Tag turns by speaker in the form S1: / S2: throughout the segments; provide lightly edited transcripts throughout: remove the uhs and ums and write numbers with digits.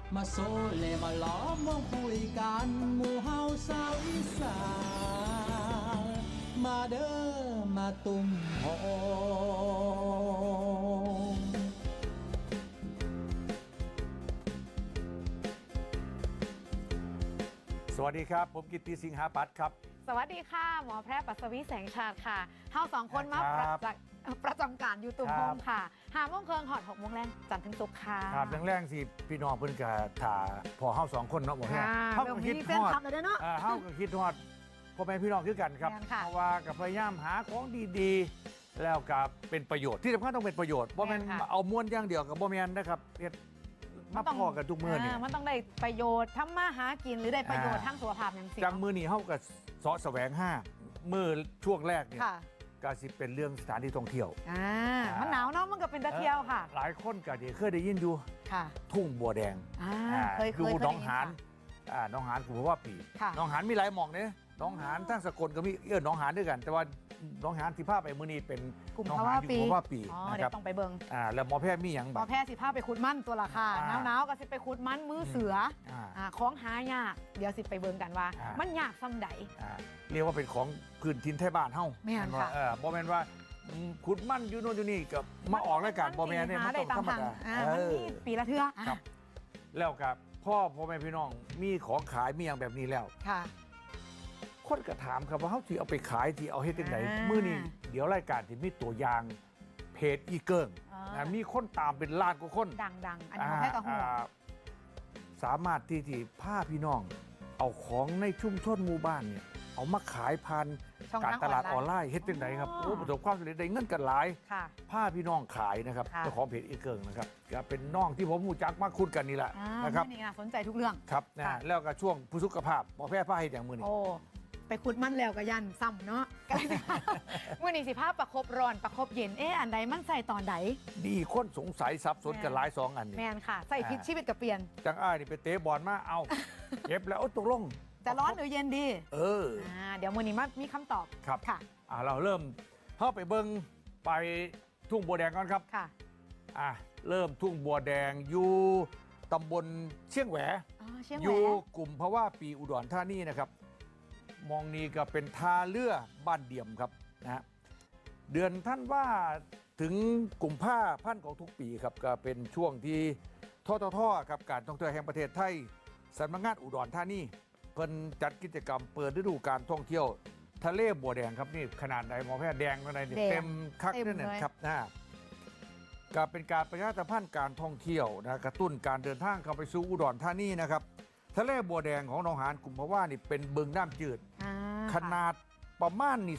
S1: มาโซเลมาล้อมวงคุยกันหมู่เฮาสาวอีสานมาเด้อมาตุ่มโฮม
S2: สวัสดีครับผมกิตติสิงหาปัตย์ครับ
S3: สวัสดีค่ะหมอแพทย์ปัสวีแสงชาติค่ะเฮาสองคนมา
S2: ครับ
S3: ประจำการอยู่ตุ่ม
S2: ค
S3: โฮ
S2: รับ
S3: มค่ะ5 โมงครึ่งหอด6 โมงแรงจันทร์ถึงศุกร์ค่ะ
S2: ครับแรงๆสิพี่น้องเพิ่นก็ถ่าพอเฮาสองคนเนาะบ่แฮะ
S3: ค่ะ
S2: เฮา
S3: เรื่
S2: ก็
S3: อง
S2: คิด
S3: นี้
S2: ฮ
S3: เส้น
S2: อด
S3: ทำเลยเนาะ
S2: เฮาก็คิดฮอดพ่อแม่พี่น้องคือกันครับ
S3: แม่นค่ะ
S2: เพราะว่าก็พยายามหาของดีๆ แล้วก็เป็นประโยชน์ที่สำคัญต้องเป็นประโยชน์บ่แม่น
S3: แม่นค่ะ
S2: เอาม้วนอย่างเดียวก็บ่แม่นนะครับเฮ็ดมาพอกันทุกมื้อนี่
S3: มันต้องได้ประโยชน์ทำมาหากินหรือได้ประโยชน์
S2: อ่า
S3: ทั้งสุขภาพอย่างสิ่ง
S2: จังมื้อนี้เฮาก็เสาะแสวงหามื้อช่วงแรกเนี่ย
S3: ค่ะ
S2: ก็สิเป็นเรื่องสถานที่ท่องเที่ยว
S3: มันหนาวเนาะมันก็เป็นตะเที่ยวค่ะ
S2: หลายคนก็เคยได้ยินอยู่
S3: ค่ะ
S2: ทุ่งบัวแดง
S3: เคย
S2: ดู
S3: เคย
S2: หน้อง
S3: ได้ยิ
S2: หาน
S3: ค่ะ
S2: หน้องหานกูบอกว่าปี
S3: ค่ะ
S2: หน้องหานมีหลายหม่องเนี่ยหน้องหานทั้งสกลก็มีหน้องหานด้วยกัน แต่ว่าหน้องหานที่ภาพไปมื้อนี้เป็น
S3: กลุ่ม
S2: หน้อง
S3: ภา
S2: หาน
S3: วะ
S2: อยู่
S3: ปี
S2: กลุ่มภาวะปี
S3: อ๋อ
S2: นะ
S3: เดี๋
S2: ค
S3: ย
S2: รับ
S3: วต้องไปเบิ่ง
S2: แล้วหมอแพทย์มีหยัง
S3: หม
S2: บ้า
S3: อง แพทย์สิพาไปขุดมันตัวละค่ะ
S2: อ่า
S3: หนาวๆก็สิไปขุดมันมือเสือ
S2: อ่า
S3: ของหายากเดี๋ยวสิไปเบิ่งกันว่า
S2: อ่ามั
S3: มันยากซ้ำใด
S2: เรียกว่าเป็นของพื้นถิ่นไทยบ้านเฮา
S3: แม่นค่ะ
S2: บ่แม่นว่าขุดมันอยู่โน่นอยู่นี่ก็มาออกรายการบ่แม่นเนี่ย
S3: หา
S2: มัน
S3: ได้
S2: ต้อง
S3: ตาม
S2: ธรรม
S3: ทาง
S2: ดา
S3: มันมีปีละเทื่อ
S2: ครับ แล้วกับพ่อแม่พี่น้องมีของขายมีอย่างแบบนี้แล้ว
S3: ค่ะ
S2: คนก็ถามครับว่าเขาที่เอาไปขายที่เอาให้ที่ไหน มื้อนี้เดี๋ยวรายการที่มีตัวอย่างเพจอีเกิงนะมีคนตามเป็นล้านกว่าคน
S3: ดังๆ อันนี้หมอแพทย์กับหัว
S2: สามารถที่พาพี่น้อง เอาของในชุมชนหมู่บ้านเนี่ยเอามาขายผ่าน
S3: ช่อง
S2: การ
S3: ทาง
S2: ตลาดอ
S3: อ
S2: อ
S3: อน น
S2: ไล
S3: ไลน์
S2: น์เฮ็ดจังไหนครับ
S3: อ๋อ
S2: โอ้ประสบความสำเร็จได้เงินกันหลาย
S3: ค่ะ
S2: พาพี่น้องขายนะครับ
S3: ค่ะ
S2: เจ้าของเพจอีเกิงนะครับก็เป็นน้องที่ผมรู้จักมากคุ้นกันนี่แหละ
S3: อ่า
S2: นะครับ
S3: นี่นะสนใจทุกเรื่อง
S2: ครับนะ
S3: ค่ะ
S2: แล้วก็ช่วงผู้สุขภาพหมอแพทย์พาให้อย่างมือนี้
S3: โอ้ ไปขุดมันแล้วก็ยันซ้ำเนาะ ก็เลยเมื่อนี้สิภาพประคบร้อนประคบเย็น อันใดมันใส่ตอนใด
S2: ดีคนสงสัยสับสนกันหลายสองอันนี่
S3: แมนค่ะ ใส่พิษชีวิตกับเปลี่ยน
S2: จังอ้ายนี่ไปเตะบอลมาเอา เก็บแล้วโอ้ตกลง
S3: จะร้อนหรือเย็นดี
S2: เออ
S3: เดี๋ยวมื่อนี้มามีคำตอบ
S2: ครับ
S3: ค่ะ
S2: เราเริ่มเข้าไปเบิ้งไปทุ่งบัวแดงก่อนครับ
S3: ค่ะ
S2: เริ่มทุ่งบัวแดงอยู่ตำบลเชียงแหว
S3: อ๋อเชียง
S2: อ
S3: แหว
S2: ยู่กลุ่มภาวะปีอุดรธานีนะครับ มองนี้ก็เป็นท่าเรือบ้านเดี่ยมครับนะฮะเดือนท่านว่าถึงกลุ่มผ้าพันธ์ของทุกปีครับก็เป็นช่วงที่ททครับการท่องเที่ยวแห่งประเทศไทยสำนักงานอุดรธานีเพิ่นจัดกิจกรรมเปิดฤดูการท่องเที่ยวทะเลบัวแดงครับนี่ขนาดไหนหมอแพทย์แดงขนาดไหนนี่เต็มคักนั่นนะครับก็เป็นการประชาสัมพันธ์การท่องเที่ยวนะกระตุ้นการเดินทางเข้าไปสู่อุดรธานีนะครับทะเลบัวแดงของหนองหานกลุ่มภาวะนี่เป็นบึงน้ำจืด ขนาดประมาณนี่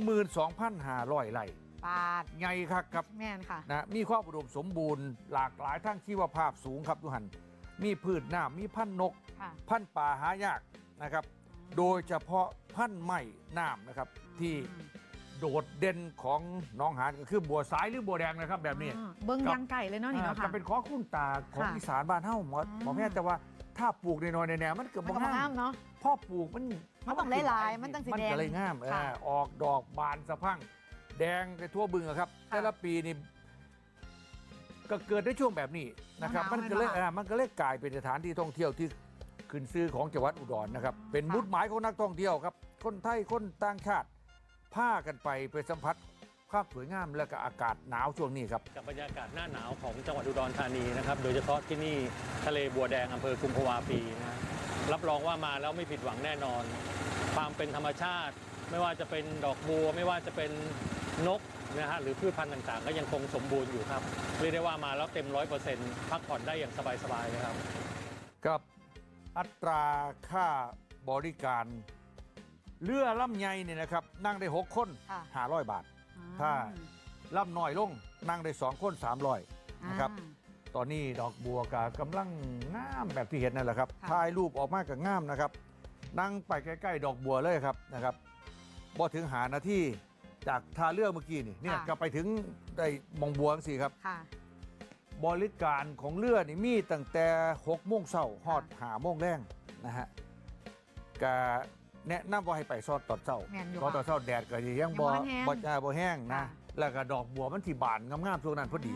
S2: 22,500 ไร่
S3: ปาด
S2: ใหญ่ครับครับ
S3: แม่นค่ะ
S2: นะมีความอุดมสมบูรณ์หลากหลายทั้งชีวภาพสูงครับทุกหันมีพืชน้ำมีพันธุ์นก
S3: ค่ะ
S2: พันธุ์ป่าหายากนะครับ โดยเฉพาะพันธุ์ไม้น้ำนะครับ ที่โดดเด่นของหน้องหานก็คือบัวสายหรือบัวแดงนะครับแบบนี้
S3: เบิ้งยังไก่เลยเนาะนี่เนาะ
S2: จะ
S3: ค่ะ
S2: เป็นของคุ้นตาของ
S3: ค่ะ
S2: อีสานบ้านเฮ้าหมอ
S3: อืม
S2: หมอแม่แต่ว่าถ้าปลูกในน้อยในแนวมันเกิด
S3: มัน
S2: บ่
S3: ก็บ่
S2: งา
S3: ห้าม
S2: ม
S3: เนาะ
S2: พ่อปลูกมัน
S3: ต้องหลายๆมันตั้งสี
S2: มัน
S3: แดง
S2: ก็เลยงาม
S3: ค่ะ
S2: ออกดอกบานสะพรั่ง แดงไปทั่วบึงอะครับ
S3: ค่ะ
S2: แต่ละปีนี่ก็เกิดในช่วงแบบนี้นะครับ
S3: หนาวๆ
S2: มันก็เลย
S3: เลยค่ะ
S2: มันก็เลยกลายเป็นสถานที่ท่องเที่ยวที่ขึ้นชื่อของจังหวัดอุดรนะครับ เป็น
S3: ค่ะ
S2: มุดหมายของนักท่องเที่ยวครับ คนไทยคนต่างชาติพากันไปสัมผัสภาพสวยงามและก็อากาศหนาวช่วงนี้ครับ
S4: กับบรรยากาศหน้าหนาวของจังหวัดอุดรธานีนะครับ โดยเฉพาะที่นี่ทะเลบัวแดงอำเภอกุมภาวาปีนะรับรองว่ามาแล้วไม่ผิดหวังแน่นอน ความเป็นธรรมชาติ ไม่ว่าจะเป็นดอกบัว ไม่ว่าจะเป็นนกนะฮะหรือพืชพันธุ์ต่างๆ ก็ยังคงสมบูรณ์อยู่ครับเรียกได้ว่ามาแล้วเต็ม 100%พักผ่อนได้อย่างสบายๆเลยครับ
S2: กับอัตราค่าบริการเรือลำใหญ่เนี่ยนะครับ นั่งได้ 6 คน
S3: ค่ะ
S2: 500 บาท ถ้า ลำน้อยลงนั่งได้ 2 คน 300 นะครับ ตอนนี้ดอกบัวกำลังงามแบบที่เห็นนั่นแหละครับ
S3: ค่ะ
S2: ถ่ายรูปออกมากับงามนะครับ นั่งไปใกล้ๆดอกบัวเลยครับนะครับบ่ถึงหานาทีจากท่าเรือเมื่อกี้นี่เนี่ยก็ไปถึงได้มองบัวสิครับ
S3: ค่ะ
S2: บริการของเรือนี่มีตั้งแต่6 โมงเช้าฮอด5 โมงแรงนะฮะก็แนะนำว่าให้ไปซอดตอนเช้า
S3: แม่นอยู่
S2: เพราะตอนเช้าแดดก็ยังบ่
S3: ยังบ่แห้ง
S2: บ่แห้งนะ
S3: ค่ะ
S2: แล้วก็ดอกบัวมันที่บานงามๆช่วงนั้นพอดี
S3: อ่า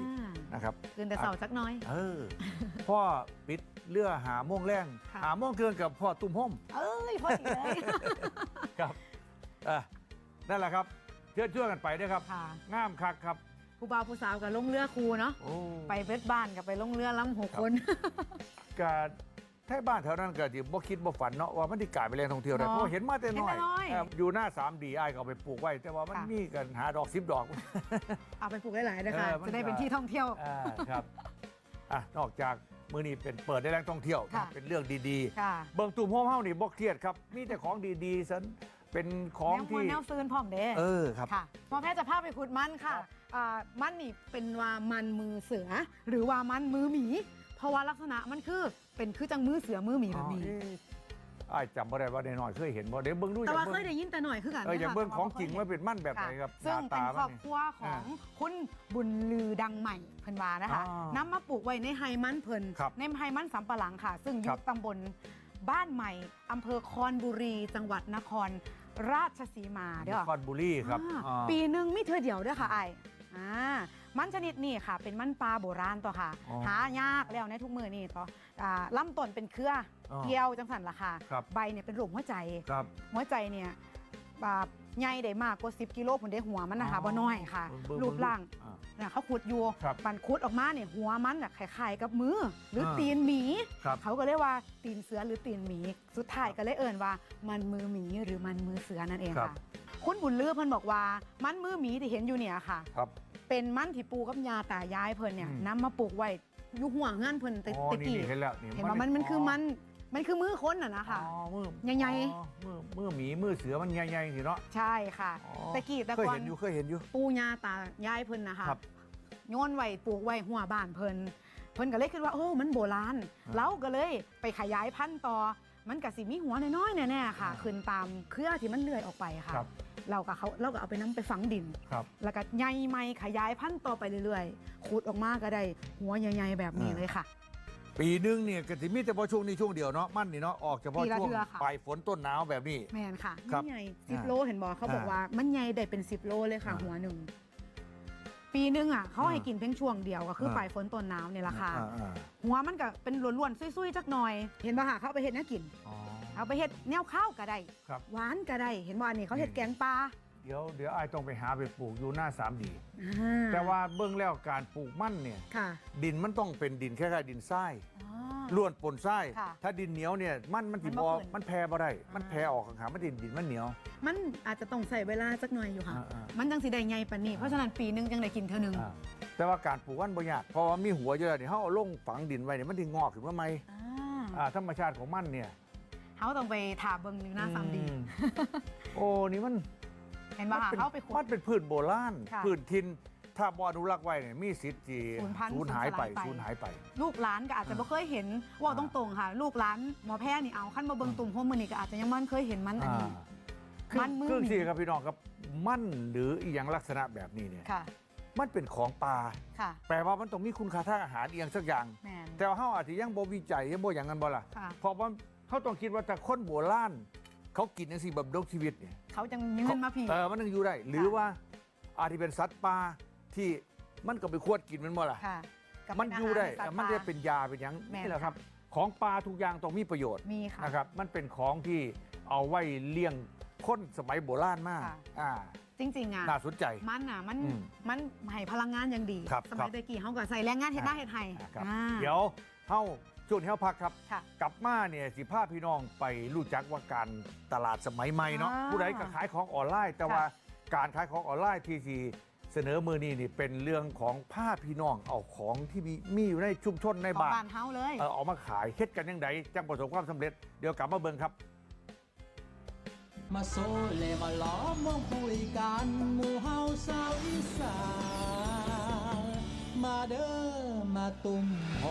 S2: นะครับ
S3: ตื่นแต่เสาร์สักหน้อย
S2: พ่อปิดเรือหาโมงแรง
S3: ค่ะ
S2: หาโมงเกินกับพ่อตุ้มห้ม
S3: เอ้ยพอดีเลย
S2: ครับนั่นแหละครับเชื่อกันไปด้วยครับ
S3: ค่ะ
S2: งามคักครับ
S3: ผู้บ่าวผู้สาวกับลงเรือครูเนาะ
S2: โอ้
S3: ไปเวทบ้านกับไปลงเรือล้ำ6 คน
S2: กาแท้บ้านแถวนั้นก็ที่บ่คิดบ่ฝันเนาะว่ามันที่กลายเป็นแหล่งท่องเที่ยวได้
S3: เนาะ
S2: เพราะเห็นมาแต่น้อย
S3: เห็นแต่น้อย
S2: อยู่หน้า3D อ้ายก็เอาไปปลูกไว้ แต่ว่ามัน
S3: ค่ะ
S2: มีกันหาดอก10 ดอก
S3: เอาไปปลูกหลายๆนะคะ
S2: มัน
S3: จะได้เป็นที่ท่องเที่ยว
S2: ครับนอกจากมื้อนี้เป็นเปิดได้แหล่งท่องเที่ยว
S3: ค่ะ
S2: เป็นเรื่องดี
S3: ค่ะ
S2: ๆ เบิ่งตุ่มโฮมเฮานี่บ่เครียดครับ มีแต่ของดีๆซันเป็นของ
S3: แนวมว
S2: ที่
S3: ลแนวซืนพร้อมเด้
S2: ครับ
S3: ค่ะหมอแพทย์จะพาไปขุดมันค่ะ
S2: ครับ
S3: มันนี่เป็นว่ามันมือเสือ หรือว่ามันมือหมี เพราะว่าลักษณะมันเป็นคือจังมือเสือมือหมีแบบนี้
S2: อ้ายจำบ่ได้ว่าน้อยๆเคยเห็นบ่เดี๋ยวเบิ่งดู
S3: แต่ว่า
S2: บิ่
S3: เคยได้ยินแต่หน่อยคือกัน
S2: อย่าง
S3: นะคะ
S2: เบิ่ง
S3: แต่
S2: ของจริง
S3: บ่
S2: ว่า
S3: เคย
S2: เป็นมั่นแบบไหนครับ
S3: ซึ่ง
S2: หา
S3: เป็น
S2: ตา
S3: ครอบครัวของคุณบุญลือดังใหม่เพิ่นว่านะคะ
S2: อ๋อ
S3: นำมาปลูกไว้ในไฮมันเพิ่น
S2: ครับ
S3: ในไฮมันสำปะหลังค่ะ ซึ่งอ
S2: ครั
S3: ยู่
S2: บ
S3: ตำบลบ้านใหม่อำเภอคอนบุรี จังหวัดนครราชสีมาเด้อ
S2: นครบุรีครับ
S3: ปีหนึ่งมีเธอเดียวเด้อค่ะไอ้มันชนิดนี้ค่ะ เป็นมันปลาโบราณตัวค่ะ
S2: อ๋อ
S3: หายากแล้วในทุกมือนี่ตัวลำต้นเป็นเครืออ
S2: อ
S3: เกี่ยวจังสันล่ะค่ะ
S2: ครับ
S3: ใบเนี่ยเป็นรูปหัวใจ
S2: ครับ
S3: หัวใจเนี่ยใหญ่ได้มากกว่า10 กิโลผลได้หัวมันนะคะ
S2: อ๋อ
S3: บ่น้อยค่ะ
S2: เบิ่ง
S3: รูปร่าง
S2: อ่า
S3: เนี่ยเขาขุดอยู่
S2: ครับ
S3: มันขุดออกมาเนี่ยหัวมันน่ะคล้ายๆกับมือ หรืออา ตีนหมี
S2: ครับ
S3: เขาก็เรียกว่าตีนเสือหรือตีนหมี สุดท้ายก็เลยเอ่นว่ามันมือหมีหรือมันมือเสือนั่นเอง
S2: ครับ
S3: ค่ะ คุณบุญลือเพิ่นบอกว่ามันมือหมีที่เห็นอยู่เนี่ยค่ะ
S2: ครับ
S3: เป็นมันที่ปูกับยาตายายเพิ่นเนี่ย
S2: อืม
S3: นำมาปลูกไว้อยู่ห่วงเงื่อนเพิ่น
S2: อ๋อ
S3: ตะ
S2: นี่
S3: กี้
S2: เห็นแล้ว
S3: เห็นว่ามันคือมันคือมือคนน่ะนะคะ
S2: อ๋อมือ
S3: ใหญ่ๆ
S2: อ๋อมือหมีมือเสือมันใหญ่ๆสิเนาะ
S3: ใช่ค่ะ
S2: อ๋อ
S3: ตะกี้แต่
S2: เคย
S3: ก่อน
S2: เห็นอยู่เคยเห็นอยู่
S3: ปูยาตายายเพิ่นนะคะ
S2: ครับ
S3: โยนไว้ปลูกไว้หัวบ้านเพิ่นก็เลยคิดว่าโอ้มันโบราณ
S2: อ่า
S3: เราก็เลยไปขยายพันธุ์ต่อมันก็สิมีหัวน้อยๆแน่ๆค่ะ
S2: อ่า
S3: ขึ้นตามเครือที่มันเลื่อยออกไปค่ะ
S2: ครับ
S3: เราก็เอาไปนํไปฝังดิน
S2: ครับ
S3: แล้วก็ใหญ่ใหม่ขยายพันธุ์ต่อไปเรื่อยๆขุดออกมาก็ได้หัวใหญ่ๆแบบนี้เลยค่ะ
S2: ปีหนึงเนี่ยก็สิมีแต่พอช่วงนี้ช่วงเดียวเนาะมันนี่เนาะออกเฉพาะ
S3: ปีละ
S2: ช่วง
S3: เทื่อค่ะ
S2: ปลายฝนต้นหนาวแบบนี้
S3: แมนค่ะ
S2: ครั
S3: มั
S2: บ
S3: นใหญ่
S2: อ่า
S3: 10 โลเห็นบอกเขาบอก
S2: อ่า
S3: ว่ามันใหญ่ได้เป็น10 โลเลยค่ะ
S2: อ่า
S3: หัวหนึ่งปีหนึงอ่ะเขาให้
S2: อ่า
S3: กินเพียงช่วงเดียวก็คืออา ปลายฝนต้นหนาวเนี่ยแหละค่ะ หัวมันก็เป็นล้วนๆซุยๆจักหน่อย เห็นป่ะค่ะเขาเอาไปเห็ดแนวกิน
S2: อ๋อ
S3: เอาไปเห็ดแนวข้าวก็ได้
S2: ครับ
S3: หวานก็ได้ เห็นว่านี่เขาเห็ดแกงปลา
S2: เดี๋ยวไอ้ายต้องไปหาไปปลูกอยู่หน้า3D
S3: อ่
S2: แต่ว่าเบื้องแล้วการปลูกมันเนี่ย
S3: ค่ะ
S2: ดินมันต้องเป็นดินคล้ายๆดินทราย
S3: อ๋อ
S2: ล้วนปนทราย
S3: ค่ะ
S2: ถ้าดินเหนียวเนี่ยมันสิ
S3: มัน
S2: บ
S3: บ่
S2: อ
S3: ขึ้น
S2: มันแพร่บ่ได้ มัน
S3: อ่า
S2: แพร่ออกข้างๆมันดินมันเหนียว
S3: มันอาจจะต้องใส่เวลาสักหน่อยอยู่ค่ะ
S2: อ่า
S3: มันจังสิได้ใหญ่ปานนี้ เพราะฉะนั้นปีหนึงจังได้กินเท่านึง
S2: แต่ว่าการปลูกมันบ่ยากเพราะว่ามีหัวเยอะเนี่ยเขาเอาลงฝังดินไว้เนี่ยมันถึงงอกขึ้นมาใหม่ ธรรมชาติของมันเนี่ย
S3: เขาต้องไปถาเบิ่งอยู่หน้าสามดี
S2: อืมโอ้นี่มัน
S3: เห็นป่ะค่ะเขาไปขุ
S2: มั
S3: ด
S2: นเป็นพืชโบราณ
S3: ค่ะ
S2: พืชทินถ้าบ่อนุรักษ์ไว้เนี่ยมีสิทธิ์ที่
S3: สูญพันธุ์
S2: สูญหายไป
S3: สู
S2: สู
S3: ญ
S2: ญ
S3: สลายไป
S2: หายไป
S3: ลูกหลานก็อาจจะไม่เคยเห็นว่าตรงๆค่ะ ลูกหลานหมอแพทย์นี่เอาขั้นมาเบิ่งตุ่มโฮมมือนี่ก็อาจจะยังมันเคยเห็นมันอันนี้ มันมือ
S2: เครื่อง
S3: หนี
S2: ที่ครับพี่น้องครับมันหรืออีหยังลักษณะแบบนี้เนี่ย
S3: ค่ะ
S2: มันเป็นของป่า
S3: ค่ะ
S2: แปลว่ามันต้องมีคุณค่าทางอาหารอีหยังสักอย่าง
S3: แมน
S2: แต่ว่าเฮาอาจจะยังบ่วิจัยยังบ่อย่างนั้นบ่ล่ะ
S3: ค่ะ
S2: เพราะว่าเขาต้องคิดว่าแต่คนโบราณเขากินจังซี่แบบดกชีวิตเนี่ย
S3: เขาจังมีเงินมาผี
S2: มันยังอยู่ได้ หรือว่าอาจจะเป็นสัตว์ป่าที่มันก็ไปควดกินมันบ่ล่ะ
S3: ค่ะกับ
S2: มันอยู่ได้
S3: เป็าหาร
S2: มัน
S3: สัตว์
S2: จะ
S3: ป่า
S2: เป็นยาเป็นหยัง
S3: แม่น
S2: นี่แหละครับ ของปลาทุกอย่างต้องมีประโยชน์
S3: มีค่ะ
S2: นะครับ มันเป็นของที่เอาไว้เลี้ยงคนสมัยโบราณมาก
S3: ค่ะ จริงๆอ่ะ
S2: น่าสนใจ
S3: มันอ่ะมัน
S2: อืม
S3: มันให้พลังงานอย่างดี
S2: ครับ
S3: สมัยตะกี้เขาก็ใส่แรงงานเฮ็ดหน้าเฮ็ดไห้
S2: ครับ
S3: อ่า
S2: เดี๋ยวเฮาช่วงนี้เฮาพักครับ
S3: ค่ะ
S2: กลับมาเนี่ยสิพาพี่น้องไปรู้จักว่าการตลาดสมัยใหม่เนาะ
S3: อ่า
S2: ผู้ใดก็ขายของออนไลน์ แต่
S3: ค่ะ
S2: ว่าการขายของออนไลน์ที่สิเสนอมือนี้นี่เป็นเรื่องของผ้าพี่น้องเอาของที่มีอยู่ในชุมชนใน
S3: ของ
S2: บ้าน
S3: บ้านเฮาเลย
S2: เอามาขายเฮ็ดกันยังไงจังประสบความสำเร็จเดี๋ยวกลับมาเบิ่งครับ
S1: มาโซเลมาล้อมวงคุยกันหมู่เฮาสาวอีสานมาเด้อมาตุ่มโฮ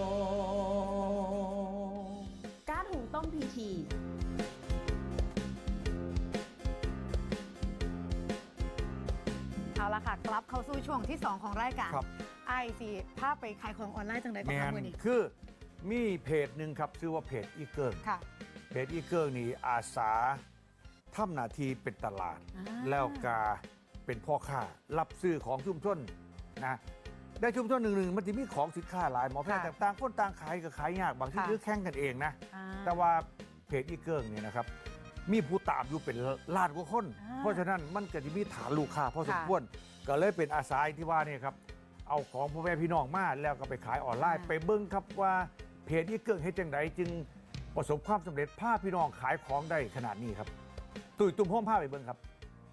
S5: ก๊าซหุงต้มพีที
S3: เอาละค่ะ กลับเข้าสู่ช่วงที่ 2 ของรายการ
S2: ครับ
S3: ไอซีภาพไปขายของออนไลน์จังไดก็
S2: แม
S3: ทำ
S2: น
S3: มือนี้
S2: คือมีเพจหนึ่งครับชื่อว่าเพจอีเกิล
S3: ค่ะ
S2: เพจอีเกิลนี่อาสาทำหน้าที่เป็นตลาด
S3: อ่า
S2: แล้วก็เป็นพ่อค้ารับซื้อของชุมชนนะได้ชุมชนหนึ่งมันจะมีของสินค้าหลายหมอแพทย์
S3: ค่ะ
S2: ต่างคนต่างขายก็ขายยากบางที่
S3: ค่ะ
S2: ยื้อแข่งกันเองนะ
S3: อ่า
S2: แต่ว่าเพจอีเกิงเนี่ยนะครับมีผู้ตามอยู่เป็นล้านกว่าคน
S3: อ่า
S2: เพราะฉะนั้นมันก็จะมีฐานลูกค้าพอสม
S3: ค่ะ
S2: ควรก็เลยเป็นอาสาที่ว่าเนี่ยครับเอาของพ่อแม่พี่น้องมาแล้วก็ไปขายออนไลน์
S3: อ่า
S2: ไปเบิ้งครับว่าเพจอีเกิงเฮ็ดจังไดจึงประสบความสำเร็จพาพี่น้องขายของได้ขนาดนี้ครับตุ้ยตุ้มห้องผ้าไปเบิ้งครับ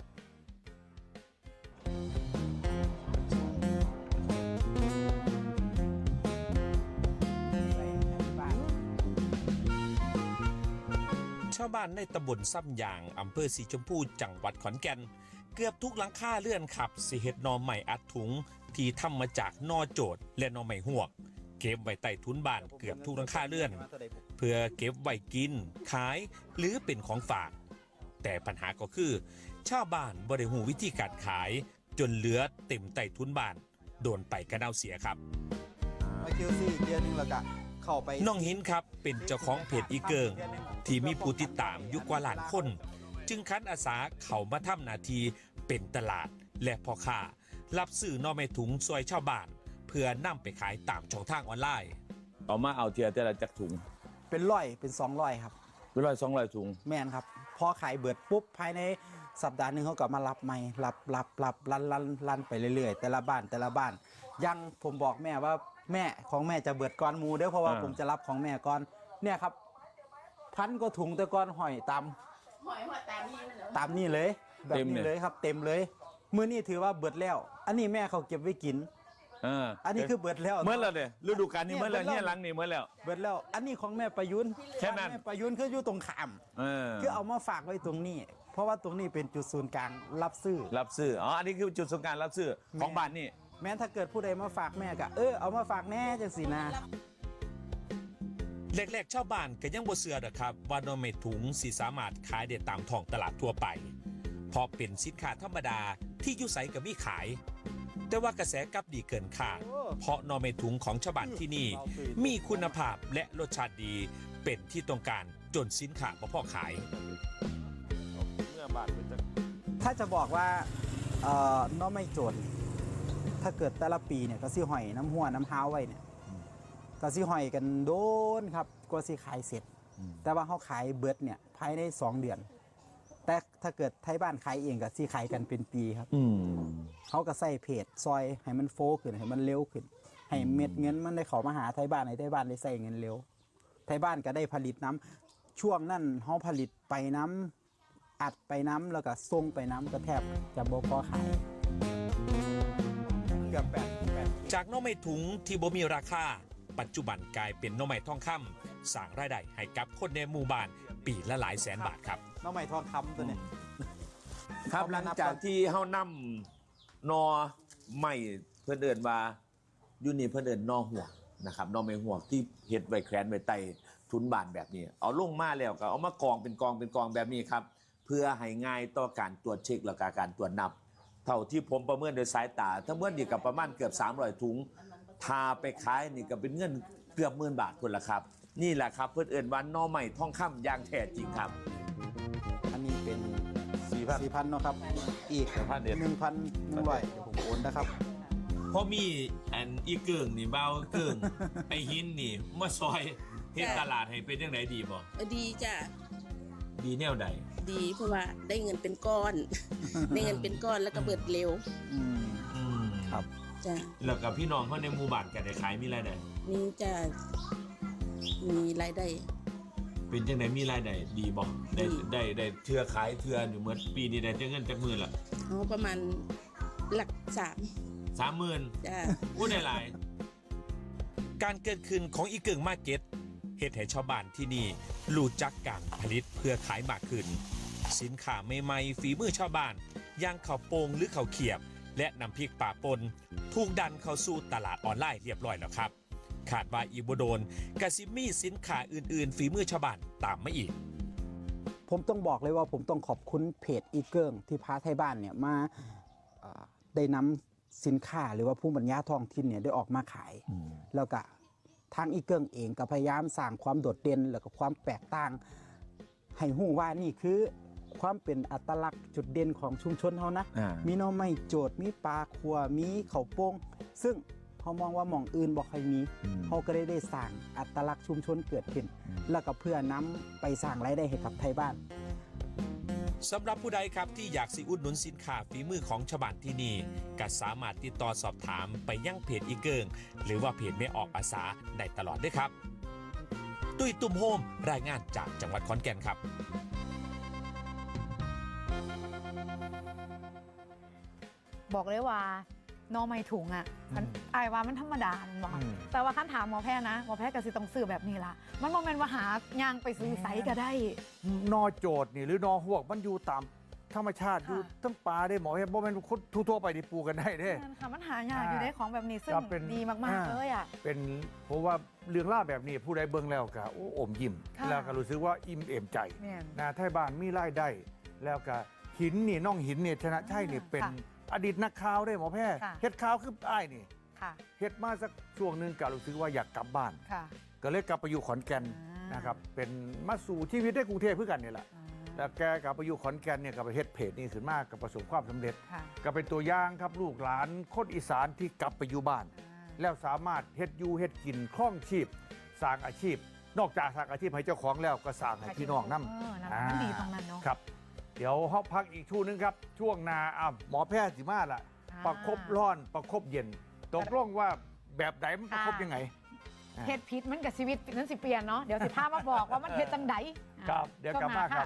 S6: ชาวบ้านในตำบลซ้ำยางอำเภอสีชมพูจังหวัดขอนแก่นเกือบทุกหลังคาเลื่อนขับสิเฮ็ดหนอใหม่อัดถุงที่ทำมาจากนอโจดและหนอใหม่หวก เก็บไว้ใต้ทุนบ้านเกือบทุกหลังคาเลื่อน เพื่อเก็บไว้กินขายหรือเป็นของฝาก แต่ปัญหาก็คือ ชาวบ้านบ่ได้หูวิธีการขาย จนเหลือเต็มใต้ทุนบ้าน โดนไปกระเดาเสียครับ
S7: ไปคิวซี่เกียร์หนึงแล้วก็เข้าไป
S6: น้องหินครับเป็นเจ้าของเพจอีเกิง ที่มีผู้ติดตามอยู่กว่าล้านคน จึงคันอาสาเข้ามาทำหน้าที่เป็นตลาดและพ่อค้ารับซื้อหนอไม้ถุงซอยชาวบ้าน เพื่อนำไปขายตามช่องทางออนไลน์
S8: เอามาเอาเทียแต่ละจักถุง
S7: เป็น100เป็น200ครับ
S8: เป็น100-200ถุง
S7: แม่นครับพอขายเบิดปุ๊บภายในสัปดาห์หนึงเขาก็มารับใหม่รับลั่นไปเรื่อยๆ แต่ละบ้านยังผมบอกแม่ว่าแม่ของแม่จะเบิดก่อนหมูเด้อเพราะว่าผมจะรับของแม่ก่อนเนี่ยครับ1,000 กว่าถุงแต่ก่อนหอยตามนี่เลยแบบนี้เลยครับ เต็มเลยมื้อนี้ถือว่าเบิดแล้ว อันนี้แม่เขาเก็บไว้กิน อันนี้คือเบิดแล้ว
S8: เมื่อแล้วเนี่ยฤดูกาลนี้เมื่อแล้วเนี่ยหลังนี่เมื่อแล้ว
S7: เบิดแล้ว อันนี้ของแม่ประยุน
S8: แค่นั้น
S7: แม่ประยุนคืออยู่ตรงขาม คือเอามาฝากไว้ตรงนี้ เพราะว่าตรงนี้เป็นจุดศูนย์กลางรับซื้อ
S8: รับซื้ออ๋ออันนี้คือจุดสงการรับซื้อของบ้านนี่
S7: แม้ถ้าเกิดผู้ใดมาฝากแม่ก็เอามาฝากแน่จังสินะ
S6: แรกๆชาวบ้านก็ยังบ่เชื่อดอกครับว่าหนอไม้ถุงสิสามารถขายได้ตามท้องตลาดทั่วไปเพราะเป็นสินค้าธรรมดาที่อยู่ไสก็มีขาย แต่ว่ากระแสกลับดีเกินคาดเพราะหนอไม้ถุงของชาวบ้านที่นี่มีคุณภาพและรสชาติดีเป็นที่ต้องการจนสินค้าบ่พอขาย
S8: เมื่อบ้านเป็นจัก
S7: ถ้าจะบอกว่าน้องไม่โจทย์ถ้าเกิดแต่ละปีเนี่ยก็สิหอยน้ำหัวน้ำห้าวไว้เนี่ยก็สิหอยกันโดนครับกว่าสิขายเสร็จ แต่ว่าเขาขายเบิดเนี่ยภายใน2 เดือน แต่ถ้าเกิดไทยบ้านขายเองก็สิขายกันเป็นปีครับเขาก็ใส่เพจซอยให้มันโฟขึ้นให้มันเร็วขึ้น ให้เม็ดเงินมันได้เข้ามาหาไทยบ้านให้ไทยบ้านได้ใส่เงินเร็วไทยบ้านก็ได้ผลิตน้ำช่วงนั้นเขาผลิตไปน้ำอัดไปน้ำแล้วก็ส่งไปน้ำก็แทบจะบ่พอขายเกือบ8
S6: จากหน่อไม้ถุงที่บ่มีราคา ปัจจุบันกลายเป็นหน่อไม้ทองคำสร้างรายได้ให้กับคนในหมู่บ้านปีละหลายแสนบาทครับ
S7: น้องใหม่ทองคำตัวเนี้ย
S8: ครับหลังจากที่เฮานำนอใหม่เพิ่นเอิ้นว่าอยู่นี่เพิ่นเอิ้นนอหัวกนะครับนอไม้หัวกที่เฮ็ดไว้แขวนไว้ใต้ทุนบ้านแบบนี้ เอาลงมาแล้วก็เอามากองเป็นกองแบบนี้ครับ เพื่อให้ง่ายต่อการตรวจเช็คและก็การตรวจนับ เท่าที่ผมประเมินโดยสายตาถ้าเมื่อนี่ก็ประมาณเกือบ300ถุงทาไปขายนี่ก็เป็นเงินเกือบ10,000 บาทคนละครับ นี่แหละครับเพิ่นเอิ้นว่าหนอใหม่ทองคำอย่างแท้จริงครับ
S7: อันนี้เป็น
S8: 4,000
S7: 4,000เนาะครับ อีก
S8: 1,000เดี๋ยว
S7: 1,100เดี๋ยวผมโอนนะครับ
S6: เพราะมีอันอีเกิงนี่เบาเกิง ไอหินนี่มาซอยเฮ็ดตลาดให้เป็นจังไดดีบ่
S9: ดีจ้ะ
S6: ดีแนวใด
S9: ดีเพราะว่าได้เงินเป็นก้อน ได้เงินเป็นก้อนแล้วก็เบิดเร็ว
S7: อืม
S6: อืม
S7: ครับ
S9: จ้ะ
S6: แล้วกับพี่น้องเขาในหมู่บ้านก็ได้ขายมีรายได้
S9: นี่จะมีรายได้
S6: เป็นจังไดมีรายได้ดีบ่ได้เทื่อขายเทื่ออยู่เหมือนปีนี้ได้จังเงินจักหมื่นละ
S9: เอาประมาณหลัก3
S6: 30,000
S9: จ้ะ
S6: อู้ได้หลาย การเกิดขึ้นของอีเกิงมาร์เก็ตเฮ็ดให้ชาวบ้านที่นี่รู้จักการผลิตเพื่อขายมากขึ้น สินค้าใหม่ๆฝีมือชาวบ้านอย่างข้าวโป่งหรือข้าวเขียบ และน้ำพริกป่าปนถูกดันเข้าสู่ตลาดออนไลน์เรียบร้อยแล้วครับขาดว่าอีกบ่โดนกสิมีสินค้าอื่นๆฝีมือชาวบ้านตามมาอีก
S7: ผมต้องบอกเลยว่าผมต้องขอบคุณเพจอีเกิงที่พาไทยบ้านเนี่ยมาได้นำสินค้าหรือว่าผู้บรรยายท้องถิ่นเนี่ยได้ออกมาขาย แล้วก็ทางอีเกิงเองก็พยายามสร้างความโดดเด่นแล้วก็ความแตกต่าง ให้หู้ว่านี่คือความเป็นอัตลักษณ์จุดเด่นของชุมชนเขานะ มีหน่อไม้โจดมีปลาคัวมีข้าวโป่งซึ่งเขามองว่าหม่องอื่นบ่ค่อยมีเขาก็ได้สร้างอัตลักษณ์ชุมชนเกิดขึ้น แล้วก็เพื่อนำไปสร้างรายได้ให้กับไทยบ้าน
S6: สำหรับผู้ใดครับที่อยากสิอุดหนุนสินค้าฝีมือของชาวบ้านที่นี่ก็สามารถติดต่อสอบถามไปยังเพจอีเกิงหรือว่าเพจแม่ออกอาสาได้ตลอดด้วยครับ ตุ้ยตุ้มโฮมรายงานจากจังหวัดขอนแก่นครับ
S3: บอกเลยว่าหนอไม่ถุงอ่ะมันอายว่ามันธรรมดามันบอกแต่ว่าขั้นถามหมอแพทย์นะหมอแพทย์ก็สิต้องซื้อแบบนี้ล่ะมันบ่แม่นว่าหายางไปซื้อไสก็ได้
S2: นอโจดนี่หรือนอหวกมันอยู่ตามธรรมชาติอยู่ทั้งป่าได้หมอเห็นบ่แม่นคนทั่วๆไปที่ปลูกกันได้เด้
S3: นั่นค่ะมันหายากอยู่ได้ของแบบนี้ซึ่ง
S2: ก็เป็น
S3: ดีมากๆเลยอ่ะ
S2: เป็นเพราะว่าเรื่องล่าวแบบนี้ผู้ใดเบิ่งแล้วก็โอ้อมยิ้ม
S3: ค่ะ
S2: แล้วก็รู้สึกว่าอิ่มเอมใจ
S3: แม่น
S2: นะไทยบ้านมีรายได้แล้วก็หินนี่น้องหินนี่ชนะชัยนี่เป็น
S3: ค่ะ
S2: อดีตนักข่าวได้หมอแพทย์
S3: ค่ะ
S2: เฮ็ดข่าวคืออ้ายนี่
S3: ค่ะ
S2: เฮ็ดมาสักช่วงหนึงก็รู้สึกว่าอยากกลับบ้าน
S3: ค่ะ
S2: ก็เลยกลับไปอยู่ขอนแก่น
S3: อ่าน
S2: นะครับเป็นมาสู่ชีวิตในกรุงเทพเพื่อกันนี่แหละ
S3: อ่า
S2: แล้วแกกลับไปอยู่ขอนแก่นเนี่ยก็ไปเฮ็ดเพจนี่ขึ้นมากกับประสบความสำเร็จ
S3: ค่ะ
S2: ก็เป็นตัวอย่างครับลูกหลานคนอีสานที่กลับไปอยู่บ้าน แล้วสามารถเฮ็ดอยู่เฮ็ดกินคล่องชีพสร้างอาชีพ นอกจากสร้างอาชีพให้เจ้าของแล้วก็สร้างให้พี่น้องนำ
S3: นั่นมันดีตรงนั้นเนาะ
S2: ครับ เดี๋ยวเฮาพักอีกช่วงนึงครับ ช่วงนาหมอแพทย์สิมาละประคบร้อนประคบเย็นตกลงว่าแบบไหนมันประคบยังไง
S3: เฮ็ดพิษมันกับชีวิตนั้นสิเปลี่ยนเนาะเดี๋ยวสิพามาบอกว่ามันเฮ็ดจังได
S2: ครับเดี๋ยวกลับมาครับ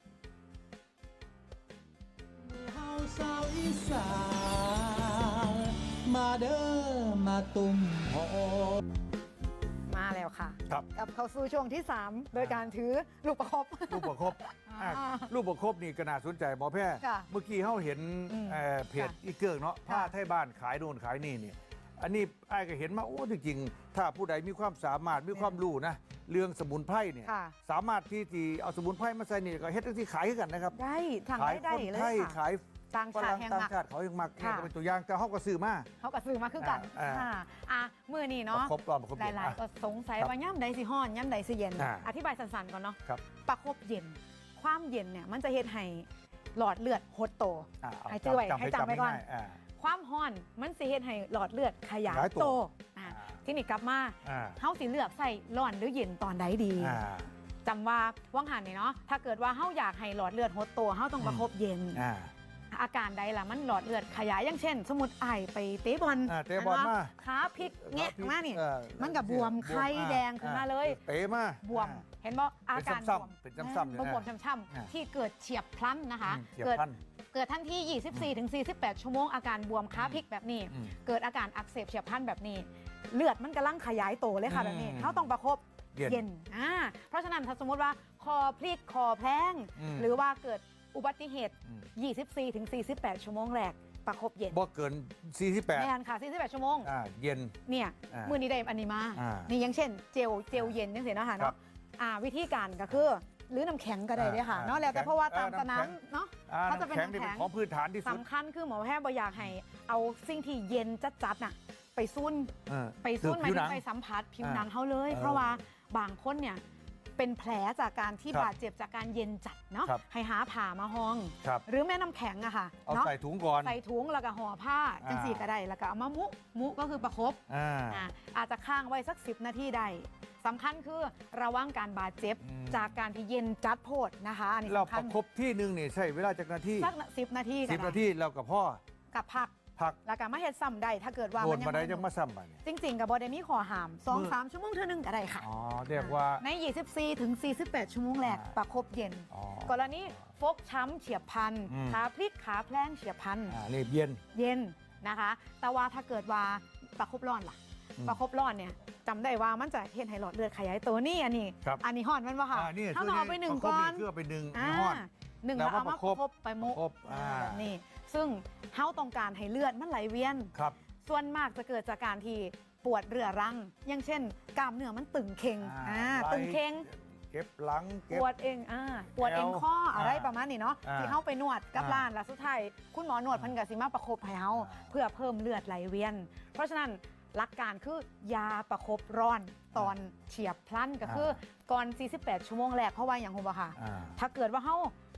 S1: เฮาสาวอีสานมาเด้อมาตุ่มโฮ
S3: มาแล้วค่ะ
S2: ครับ
S3: กลับเข้าสู่ช่วงที่ 3 โดยการถือลูกประคบ
S2: ลูกประคบ
S3: อ่า
S2: ลูกประคบนี่ก็น่าสนใจหมอแพทย์
S3: ค่ะ
S2: เมื่อกี้เฮาเห็น
S3: อืม
S2: เพจอีเกิงเนาะ
S3: ค่ะ
S2: ผ้าไทยบ้านขายโน่นขายนี่เนี่ยอันนี้ไอ้ายก็เห็นมาโอ้จริงๆถ้าผู้ใดมีความสามารถมีความรู้นะเรื่องสมุนไพรเนี่ย
S3: ค่ะ
S2: สามารถที่เอาสมุนไพรมาใส่นี่ก็เฮ็ดที่ขายให้กันนะครับ
S3: ได้ทาง
S2: ขาย
S3: ได้
S2: คน
S3: เล
S2: ไท
S3: ย
S2: ย
S3: ค่ะ
S2: ขาย
S3: ต่าง
S2: ฝ
S3: ชา
S2: รั่
S3: ติ
S2: ง
S3: แห่ง
S2: ต่าง
S3: มัก
S2: ชาติเขายังมัก
S3: ค่ะ
S2: ก็เป็นตัวอย่างแต่เฮาก็ซื้อมา
S3: เขากับซื้อมาคือกัน
S2: อ่า
S3: ค่ะมือนี่เนาะ
S2: ประคบร้อนประคบ
S3: ห
S2: เย็น
S3: ลายๆก็สงสัย
S2: ครับ
S3: ว่าย่ำใดสิฮ้อนย่ำใดสิเย็น
S2: อ่า
S3: อธิบายสั้นๆก่อนเนาะ
S2: ครับ
S3: ประคบเย็น ความเย็นเนี่ยมันจะเฮ็ดให้หลอดเลือดหดโต
S2: เอา
S3: ให้จื้อไว้
S2: จำ
S3: ให้จำไว้ก่อน
S2: ง่ายๆ
S3: ความฮ้อนมันสิเฮ็ดให้หลอดเลือดขยาย
S2: ขยายตัว
S3: โตอ่าที่นี่กลับมา
S2: อ่า
S3: เฮาสิเลือกใส่ร้อนหรือเย็นตอนใดดี
S2: อ่า
S3: จำว่าว่างหันนี่เนาะถ้าเกิดว่าเฮาอยากให้หลอดเลือดหดโตเฮาต้องประคบเย็น
S2: อ่า
S3: อาการใดล่ะมันหลอดเลือดขยายอย่างเช่น สมมุติไอไปเตะบอล
S2: เตะบอลมา
S3: ขาพลิกแงะมานี่
S2: เออ
S3: มันกับบวมไข้แดงขึ้นมาเลย
S2: เตะมา
S3: บวมเห็นบ่อาการบ
S2: ซ้
S3: วม
S2: ำๆเป็นซ้ำๆอยู่นะ
S3: บวมช้ำ
S2: อ่า
S3: ๆที่เกิดเฉียบพลันนะคะ
S2: เฉียบ
S3: เกิด
S2: พลัน
S3: เกิดทันที่ 24 ถึง 48 ชั่วโมงอาการบวมขาพลิกแบบนี้
S2: อืม
S3: เกิดอาการอักเสบเฉียบพลันแบบนี้ เลือดมันกำลังขยายโตเลยค่ะแบบนี้เขาต้องประคบ
S2: เย็น
S3: เพราะฉะนั้นถ้าสมมติว่าคอพลิกคอแพลง
S2: อืม
S3: หรือว่าเกิดอุบัติเหตุ
S2: อืม
S3: 24 ถึง 48 ชั่วโมงแรกประคบเย็น
S2: บ่เกิน 48
S3: แม่นค่ะ 48 ชั่วโมง
S2: เย็น
S3: เนี่ย
S2: อ่า
S3: มือนี้ได้อันนี้มา
S2: อ่า
S3: นี่อย่างเช่นเจลเย็นยังเสียเนาะค่ะ
S2: ครั
S3: เนาะ
S2: บ
S3: วิธีการก็คือหรือน้ำแข็งก็ได้ด้วยค่ะ
S2: อ่า
S3: เนาะแล้วแต่
S2: น้ำแข็ง
S3: เพราะว่าตาม
S2: น้ำ
S3: ส
S2: แข็ง
S3: นามเนาะ เขาจะเป็น
S2: น้ำแข็งนี่เป็น
S3: น้ำแข็ง
S2: ของพื้นฐานที่สุด
S3: สำคัญคือหมอแพทย์บ่อยากให้เอาสิ่งที่เย็นจัดๆน่ะไปซุ่น
S2: เออ
S3: ไปซุ่นหมาย
S2: ผิวห
S3: ถึ
S2: นั
S3: ง
S2: ง
S3: ไปสัมผัสผิว
S2: อ่า
S3: หนังเขาเลย
S2: เออ
S3: เพราะว่าบางคนเนี่ยเป็นแผลจากการที่
S2: ครับ
S3: บาดเจ็บจากการเย็นจัดเนาะ
S2: ครับ
S3: ให้หาผ่ามาห้อง
S2: ครับ
S3: หรือแม่น้ำแข็งอะค่ะ
S2: เอา
S3: เนาะ
S2: ใส่ถุงก่อน
S3: ใส่ถุงแล้วก็ห่อผ้า
S2: อ่า
S3: จังสีก็ได้แล้วก็เอามามุก็คือประคบ
S2: อ่า
S3: อาจจะค้างไว้สัก 10 นาทีได้สำคัญคือระวังการบาดเจ็บ
S2: อืม
S3: จากการที่เย็นจัดโพดนะคะอันนี้
S2: เรา
S3: สำ
S2: ป
S3: คัญ
S2: ระคบที่หนึงนี่ใช้เวลาจากนาที
S3: สัก10 นาทีก็
S2: 10
S3: ได้
S2: นาทีแล้วกับพ่อ
S3: กับพัก
S2: พัก
S3: แล้วก็มาเฮ็ดซ้ำได้ถ้าเกิดว่า
S2: โด
S3: มัน น
S2: มาได้
S3: ยั
S2: ยัง
S3: ง
S2: มาซ้ำไปเนี่ย
S3: จริงๆกับบอดมีขอหาม 2-3 ชั่วโมงเท่านึงก็ได้ค่ะ
S2: อ๋อเรียกว่า
S3: ใน 24 ถึง 48 ชั่วโมงแรก
S2: อ่า
S3: ประคบเย็น
S2: อ๋อก
S3: รณีฟกช้ำเฉียบพลัน
S2: อืม
S3: ขาพลิกขาแพลงเฉียบพลัน
S2: นี่เย็น
S3: เย็นนะคะ แต่ว่าถ้าเกิดว่าประคบร้อนล่ะ
S2: อืม
S3: ประคบร้อนเนี่ยจำได้ว่ามันจะเห็นให้หลอดเลือดขยายตัวนี่อันนี้
S2: ครับ
S3: อันนี้ห่อนมันวะค่ะ
S2: นี่
S3: ถ้าเราเอาไปหนึ่ง
S2: ประคบ
S3: ก้อน
S2: คือเอาไปหนึ่ง
S3: อ่า
S2: ห้อน
S3: หนึ่ง
S2: แล้
S3: แล้ว ว
S2: ก็
S3: เอามา
S2: ประคบ
S3: คบไปมุ
S2: ประคบอ่า
S3: แบบนี้ซึ่งเฮาต้องการให้เลือดมันไหลเวียน
S2: ครับ
S3: ส่วนมากจะเกิดจากการที่ปวดเรื้อรัง อย่างเช่น กล้ามเนื้อมันตึงเค็ง
S2: ไหล
S3: ตึงเค็ง
S2: เก็บหลัง
S3: ป
S2: เก็บ
S3: วดเองปวดเองข้ออะไร
S2: อ่า
S3: ประมาณนี้เนาะ
S2: อ่า
S3: ที่เฮาไปนวดกับ
S2: อ่า
S3: ร้านแล้วสุดท้ายคุณหมอนวดเพันกสิมาประคบให้เฮาเพื่อเพิ่มเลือดไหลเวียน เพราะฉะนั้นหลักการคือยาประคบร้อนตอนเฉียบพลันก็คือก่อน 48 ชั่วโมงแรกเพราะว่าอย่างคุณบ่ค่ะ
S2: อ่า
S3: ถ้าเกิดว่าเฮา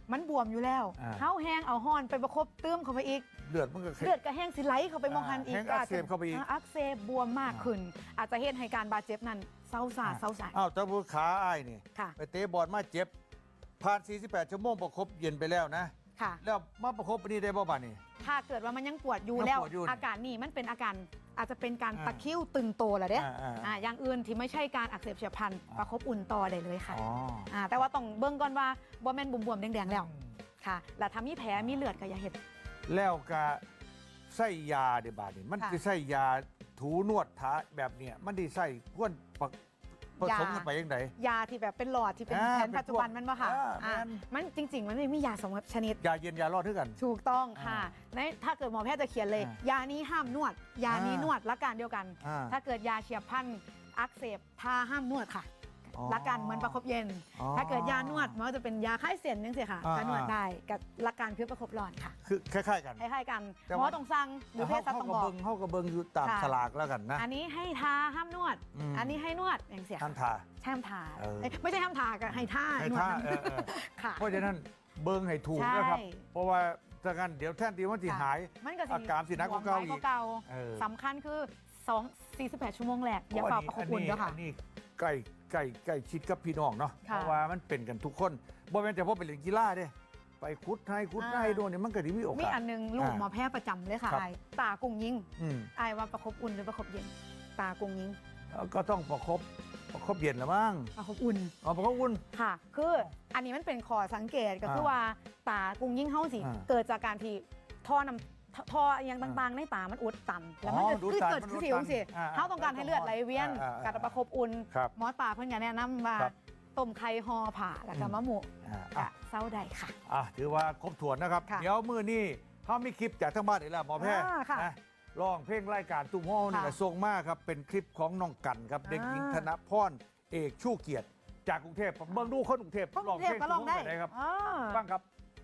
S3: มันบวมอยู่แล้ว
S2: อ่า
S3: เฮาแห้งเอาห้อนไปประคบเติมเข้าไปอีก
S2: เลือดมันก็
S3: เลือดก็แห้งสิไหลเข้าไปมองหันอีก
S2: แห้งอักเสบเข้าไปอีก
S3: อักเสบบวมมากขึ้น อาจจะเฮ็ดให้การบาดเจ็บนั้นเศร้าซ่าเศร้าใจ
S2: อ้าวแต่ผู้ขาอ้ายนี่
S3: ค่ะ
S2: ไปเตะบอลมาเจ็บผ่าน 48 ชั่วโมงประคบเย็นไปแล้วนะ
S3: ค่ะ
S2: แล้วมาประคบอันนี้ได้บ่บ่านี่
S3: ถ้าเกิดว่ามันยังปวดอยู่
S2: ยัง
S3: แล้ว
S2: ปวดอยู่
S3: อาการนี่มันเป็นอาการอาจจะเป็นการ
S2: อ่า
S3: ตะคริ้วตึงโตแหละเด้
S2: อย่าง
S3: อื่นที่ไม่ใช่การอักเสบเฉียบพลันประคบอุ่นต่อได้เลยค่ะ
S2: อ๋อ
S3: แต่ว่าต้องเบิ่งก่อนว่าบ่แม่นบวมๆแดงๆแล้วค่ะ แล้วถ้ามีแผลมีเลือดก็อย่าเฮ็ด
S2: แล้วก็ใส่ยาเดี๋ยวบาดนี่มัน
S3: ค่ะ
S2: จะใส่ยาถูนวดทาแบบเนี้ยมันได้ใส่พ่วนผสมกันไปยังไง
S3: ยาที่แบบเป็นหลอดที่เป็น
S2: อ่า
S3: แผนปัจจุบัน
S2: เป็นพวก
S3: มันบ่ค่ะ
S2: แม่น
S3: มันจริง ๆ มันไม่มียาสองชนิด
S2: ยาเย็นยารอดด้วยกัน
S3: ถูกต้องค่ะถ้าเกิดหมอแพทย์จะเขียนเลย
S2: อ่าย
S3: านี้ห้ามนวด ยานี้นวดละการเดียวกัน
S2: อ่า
S3: ถ้าเกิดยาเฉียบพลันอักเสบทาห้ามนวดค่ะ
S2: อ๋อ
S3: ละกันเหมือนประคบเย็น
S2: อ๋อ
S3: ถ้าเกิดยานวดมันก็จะเป็นยาคลายเสียนนึงสิค่ะ
S2: อ่า
S3: ถ้านวดได้กับละการคือประคบร้อนค่ะ
S2: คือคล้ายๆกัน
S3: คล้ายๆกัน
S2: แต่
S3: หมอ
S2: ว่า
S3: ต้องสั่งหรือเภสัชต้องบอก
S2: เฮาก็เบิ่งอยู่ตาม
S3: ค่ะ
S2: ฉลากแล้วกันนะ
S3: อันนี้ให้ทาห้ามนวด
S2: อืม
S3: อันนี้ให้นวดอย่างเสีย
S2: ท่านทา
S3: ห้ามทา
S2: เออ
S3: ไม่ใช่ห้ามทาก็ให้ท่า
S2: ให้
S3: นวด
S2: ท่า
S3: นั้น ค่ะ
S2: เพราะฉะนั้นเบิ่งให้ถูก
S3: ใช่
S2: นะครับ เพราะว่าถ้างั้นเดี๋ยวแท่นที่มันสิหาย
S3: มันก็
S2: อาการสิหนักกว่าเก่าอีก
S3: บวมน้ยเก่า
S2: เออ
S3: สำคัญคือ48 ชั่วโมงแรกอย่าเป่าประคบอุ่นด้วยค่ะ
S2: อันนี้ใกล้ชิดกับพี่น้องเนาะ
S3: ค่ะ
S2: เพราะว่ามันเป็นกันทุกคนบ่แม่นแต่พอไปเล่นกีฬาเด้ไปคุดให้โดนเนี่ยมันก็ได้มีโอกาส
S3: มีอันหนึงลูกหมอแพทย์ประจำเลยค่ะ
S2: ครับ
S3: ไอ้ตากุ้งยิง
S2: อืม
S3: ไอ้ว่าประคบอุ่นหรือประคบเย็น ตากุ้งยิง
S2: ก็ต้องประคบเย็นละมั้ง
S3: ประคบอุ่น
S2: เอาประคบอุ่น
S3: ค่ะ คืออันนี้มันเป็นข้อสังเกตก็คือว่าตากุ้งยิงเฮาสิ
S2: อ่า
S3: เกิดจากการที่ท่ออย่างต่างๆ ในตามันอุดตัน แล้วมัน
S2: อ๋อ
S3: จะ
S2: อุด
S3: คือ
S2: ตัน
S3: เกิด
S2: มัน
S3: คือ
S2: อุด
S3: สิว
S2: ตัน
S3: สิ
S2: อ่า
S3: เฮาต้องการให้เลือดไหลเวียน
S2: อ่า
S3: การประคบอุ่น
S2: ครับ
S3: หมอตาเพิ่นก็แนะนำว่า
S2: ครับ
S3: ต้มไข่ห่อผ่าแล้วก็มะหมู
S2: อ่า
S3: กะเศร้าได้ค่ะ
S2: ถือว่าครบถ้วนนะครับ
S3: ค่ะ
S2: เดี๋ยวมื้อนี้เขามีคลิปจากทั้งบ้านอีกแล้วหมอแพทย์
S3: ค่ะ
S2: นะร้องเพลงรายการตุ้มห้องนี่แหละ
S3: ค่ะ
S2: ส่งมาครับเป็นคลิปของน้องกันครับเด็กหญิงธนพรเอกชูเกียรติจากกรุงเทพเบิ่งดูคนกรุงเทพ
S3: กรุงเทพก็ลองได้
S2: ตุ้มโฮมแบบหนครับ
S3: อ่า
S2: บ้างครับ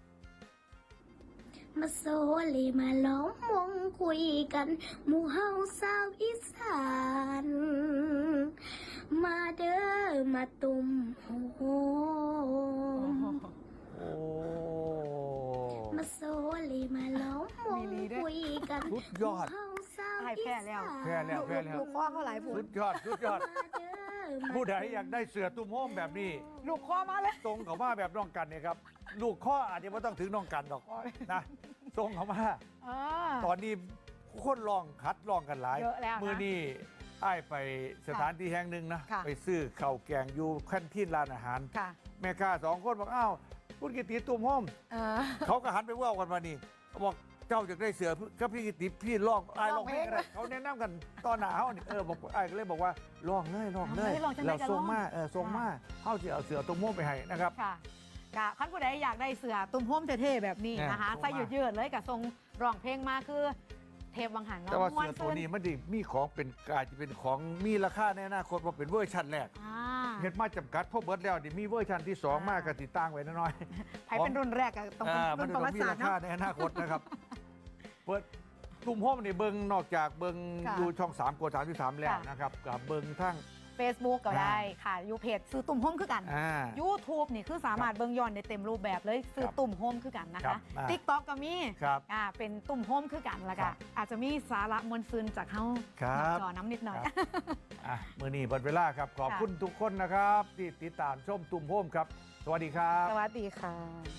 S5: มาโซเลมาล้อมวงคุยกัน หมู่เฮาสาวอีสาน มาเด้อมาตุ่มโฮม
S2: โอ้
S5: มาโซเลมาล้อมวงคุยกัน
S2: สุดยอด
S5: หมู่เฮาสาว
S3: ให้
S5: อี
S3: แพ้
S5: สาน
S3: แล้ว
S2: แพ้แล้ว
S3: ลูกข้อเขาหลายผู้
S2: สุดยอด
S5: มาเด้อมา
S2: ผู้ใดอยากได้เสือตุ้มโฮมแบบนี้
S3: ลูกข้อมาเลย
S2: ตรงเขามาแบบน้องกันเนี่ยครับ ลูกข้ออาจจะไม่ต้องถึงน้องกันหรอกนะตรงเขามา
S3: อ่า
S2: ตอนนี้คนลองคัดลองกันหลาย
S3: เยอะแล้วนะ
S2: มือนี้ไอ้ายไปสถานที่แห่งหนึ่งนะ
S3: ค่ะ
S2: ไปซื้อข้าวแกงอยู่แคนทีนร้านอาหาร
S3: ค่ะ
S2: แม่ค้า2 คนบอกอ้าวคุณกิติตุ้มโฮม
S3: เออ
S2: เขาก็หันไปว่ากันมานี่บอกเจ้าอยากได้เสือกับพี่กิติพี่ลองไอ้ายลองเพลงอะไรเขาแนะนำกันตอนหนาเขานี่บอกไอ้ายก็เลยบอกว่าลองเลย
S3: ลองจังใด
S2: แล้ว
S3: ก็
S2: ส่ง
S3: ลอง
S2: มาส่งมาเขาจะเอาเสือตุ้มโฮมไปให้นะครับ
S3: ค่ะกะคันผู้ใดอยากได้เสือตุ่มโฮมเท่ๆแบบนี้นะคะ
S2: ส่งมา
S3: ใส่ยืดๆเลยกับทรงร้องเพลงมาคือเทปวังหันเนาะ
S2: แต่ว่า
S3: ม่
S2: เสือตัวนี้มันดิมีของเป็นอาจจะเป็นของมีราคาในอนาคตว่าเป็นเวอร์ชันแรก
S3: อ่า
S2: เฮ็ดมาจำกัดพวกเบิร์ดแล้วเดี๋ยวมีเวอร์ชันที่ 2 มากก็ติดตั้งไว้น้อยๆ
S3: ใครเป็นรุ่นแรกอะต้องเป็น
S2: มั
S3: รุ่
S2: น
S3: น
S2: จะ
S3: ประ
S2: ต้
S3: วั
S2: อง
S3: ติ
S2: มี
S3: ศาสต
S2: รา
S3: ร์เนาะ
S2: คาในอนาคตนะครับ เปิดตุ่มโฮมนี่เบิงนอกจากเบิง
S3: ค่ะ
S2: อยู่ช่อง3กด33แล้ว
S3: ค่ะ
S2: นะครับกับเบิงทั้ง
S3: Facebook ก็ได้ค่ะอยู่เพจซื้อตุ่มโฮมคือกัน YouTube นี่คือสามารถเบิ่งย้อนได้เต็มรูปแบบเลยซื้อตุ่มโฮมคือกันนะ
S2: ครั
S3: คะ
S2: บ
S3: TikTok ก็มี
S2: ครับ
S3: เป็นตุ่มโฮมคือกันแล้ว
S2: ครั
S3: ก็
S2: บ
S3: อาจจะมีสาระมวลซืนจากเฮา
S2: ครับ
S3: จอน้ำนิดหน่อย
S2: มื้อนี้หมดเวลาครับ ขอบ
S3: ค่ะ
S2: คุณทุกคนนะครับ ที่ติดตามชมตุ่มโฮมครับ สวัสดีครับ
S3: สวัสดีค่ะ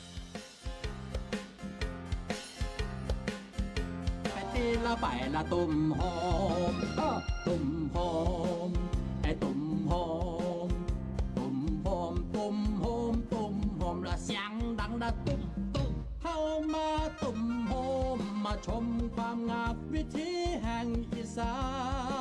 S1: ไปตีละไปละตุ่มโฮมตุ่มโฮมไอ้ตุ่มโฮมตุ่มโฮมตุ่มโฮมตุ่มโฮมละเสียงดังละตุ่มตุ่มเข้ามาตุ่มโฮมมาชมความงามวิถีแห่งอีสาน